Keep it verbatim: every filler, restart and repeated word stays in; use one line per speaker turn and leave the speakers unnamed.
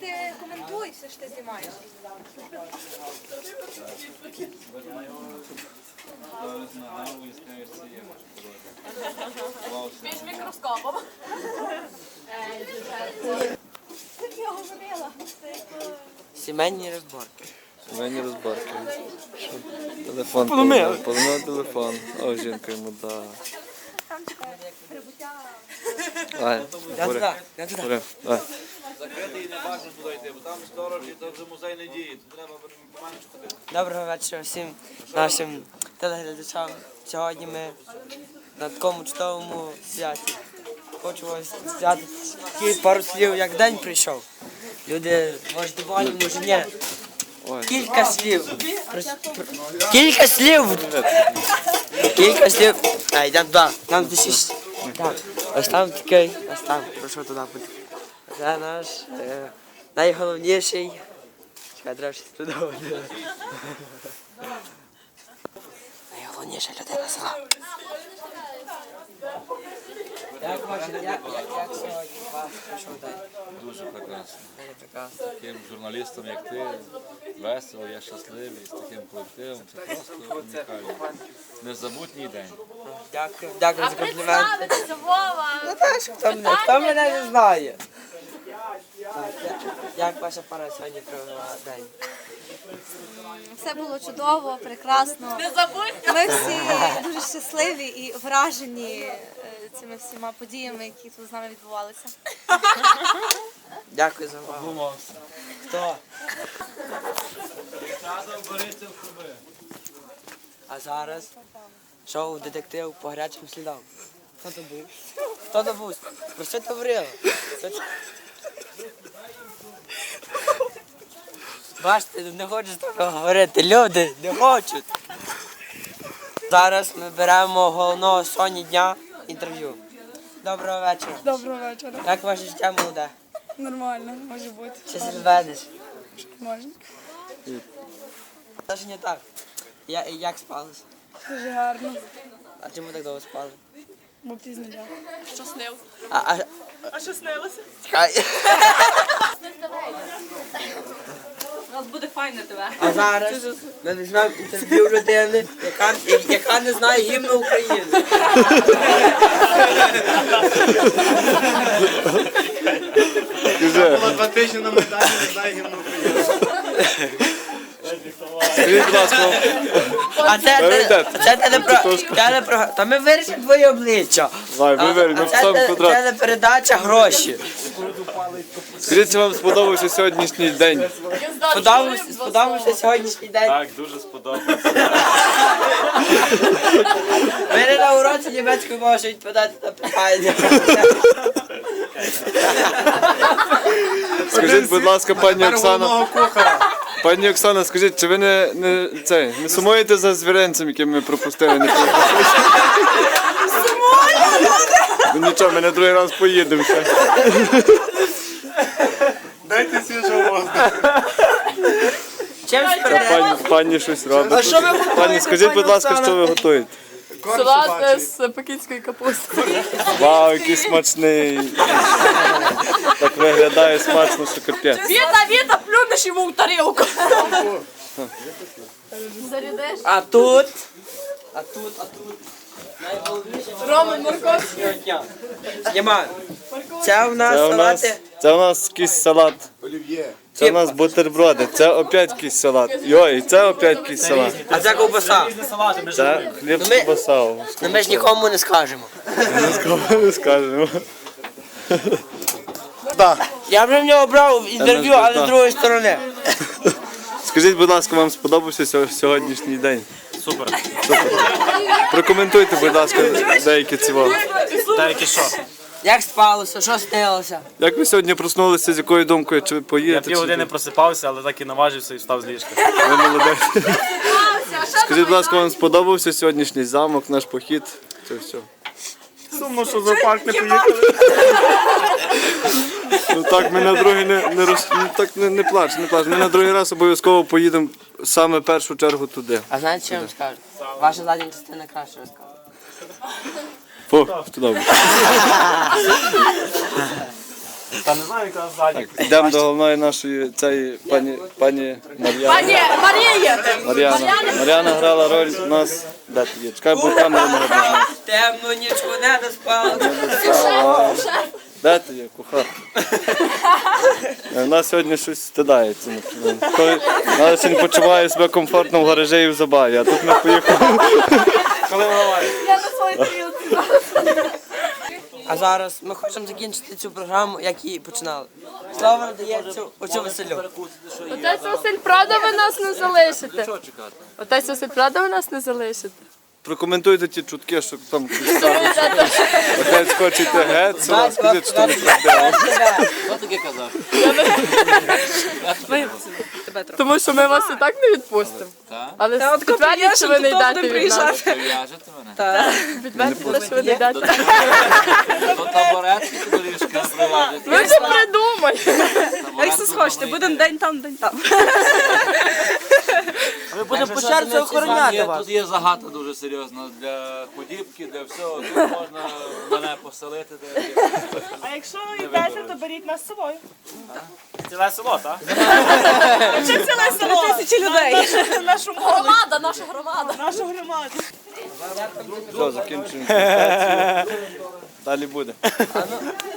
ти коментуй все, що ти знімаєш.
Під мікроскопом.
Як я говорила?
Сімейні розборки.
Сімейні розборки. Телефон поломив. Поломив телефон. О, жінка йому да. Давай,
Я
бери.
туди, я туди.
Бери, давай.
Закритий не бажано туди йти, бо там сторожі, то вже музей не діє, тут треба поменше ходити.
Доброго вечора всім нашим телеглядачам. Сьогодні ми на такому чудовому святі. Хочу вас сказати тільки пару слів, як день прийшов. Люди, може, доволі, може ні.
Ой.
Кілька слів. Прос- про- Кілька слів. Кілька слів. А, йдемо туди. Там де шість. Так. Ось там такий. Ось там. Прошу туди бути. Це наш е, найголовніший. Чекай, треба щось придумати. Найголовніша людина села. Як ваше, як, як, як сьогодні ваш прийшов день?
Дуже прекрасно.
Дуже прекрасно.
Таким журналістом, як ти, весело, я щасливий, з таким колективом. Це просто унікально. Незабутній день.
Дякую, дякую за комплімент.
Представитися, Вова!
Ну так, хто мене, хто мене не знає? Так, я- як ваша пара сьогодні провела день?
Все було чудово, прекрасно.
Не забудь!
Ми всі дуже щасливі і вражені е, цими всіма подіями, які тут з нами відбувалися.
Дякую за увагу. Хто? А зараз шоу детектив по гарячим слідам. Хто то був? Хто то був? Про що ти говорила? Що ти- Бачите, не хочуть такого говорити. Люди не хочуть. Зараз ми беремо головного Соні дня інтерв'ю. Доброго вечора.
Доброго вечора.
Як ваше життя молоде?
Нормально, може бути.
Чи розведеш?
Можна.
Це ж не так. Я, як спалися?
Дуже гарно.
А чому так довго спали?
Бо пізно дня.
Що снив?
А, а,
А що снилося?
чекай.
У нас буде файне тебе.
А зараз ми візьмемо інтерв'ю людини, яка, яка не знає гімну України.
Скажи,
Два тижні на Майдані, не знаю гімну України.
скажіть, будь ласка,
А це,
Давай,
це,
так.
це телепро... телепро... Та ми вирішимо твоє обличчя.
давай,
А,
вибери,
а
ми
це
поставимо
те-
квадрат.
телепередача «Гроші».
Скажіть, чи вам сподобався сьогоднішній день?
Сподобався, сподобався сьогоднішній день.
Так, дуже сподобалося.
Ми не на уроці німецької можемо відповідати на питання.
Скажіть, будь лака, пані Оксана. Пані Оксана, скажіть, чи ви не, не, це, не сумуєте за звіренцем, яким ми пропустили? Не ну нічого, ми на другий раз поїдемо ще.
Дайте свіжого воздуха.
Чим спереду?
Пані, пані щось робить.
А що ви
Пані,
готуєте,
скажіть,
пані
будь ласка,
Оксана?
що ви готуєте?
Корм
Салат
собачий.
з пекінської капусти.
Вау, який смачний. Так виглядає смачно, що капець.
Віта, Віта, плюнеш йому в тарілку. Зарядиш?
А тут, а тут, а тут. Найголовніше
Рома морковь.
дня. Знімаю. Це у нас
Це у нас,
салати.
це у нас якийсь салат.
Олів'є.
Це у нас бутерброди. Це опять якийсь салат. Йой, це опять якийсь салат.
А це ковбаса.
Це хліб з
ми-
ковбасою.
Ну ми ж нікому не скажемо.
Не скажемо.
Я вже в нього брав інтерв'ю,
Та ну,
але
та.
з другої сторони.
Скажіть, будь ласка, вам сподобався сьо- сьогоднішній день?
Супер.
Прокоментуйте, будь ласка, деякі ціво.
Деякі що?
Як спалося, що снилося?
Як ви сьогодні проснулися, з якою думкою, чи ви
Я
поїдете?
пів години
Чи...
просипався, але так і наважився і встав з ліжка.
Ви молодець. Скажіть, будь ласка, вам сподобався сьогоднішній замок, наш похід? Це все.
Сумно, що за парк не поїхали.
Ну так, ми на другий не, не роз... ну, так не, не плач, не плач. Ми на другий раз обов'язково поїдемо саме в першу чергу туди.
А знаєте, що я вам скажу? Ваша задня частина краще розказує.
Фу, що добре.
Та не знаю, яка ззаді.
Так, йдемо до головної нашої цієї пані, пані Мар'яни.
Пані Марія!
Мар'яна. Мар'яна грала роль у нас. Де ти є? Чекай, бо камеру не видно.
Темну нічку не доспала.
Де ти є, кухар? Вона сьогодні щось стидається. Коли вона сьогодні почуває себе комфортно в гаражі і в забаві, а тут ми поїхали.
Коли виливає.
Я на своїй тарілці.
А зараз ми хочемо закінчити цю програму, як її починали. Слово надається оцю Василю.
Отець Василь, правда ви нас не залишите?
Що чекати?
Отець Василь, правда ви нас не залишите?
Прокоментуйте ті чутки, що там щось сталося. Отець хоче йти геть, села, скажіть, що там правда.
Хто таке казав?
Тому що ми вас і так не відпустимо.
Так?
Але підтвердіть, що ви не йдете від нас.
Прив'яжете мене?
Підтвердіть, що ви не йдете.
До табуретки до ліжка прив'яжете.
Ви вже придумайте.
Як це схочете, будемо
день там, день там.
Ми будемо по черзі охороняти вас.
Тут є загата дуже серйозна для худібки, для всього. Тут можна мене поселити.
А якщо йдете, то беріть нас з собою.
Ціле село, так?
Чи ціле село? Тисячі людей. Нашу молодь,
Громада, наша громада.
нашу громаду.
Все, закінчуємо. Далі буде.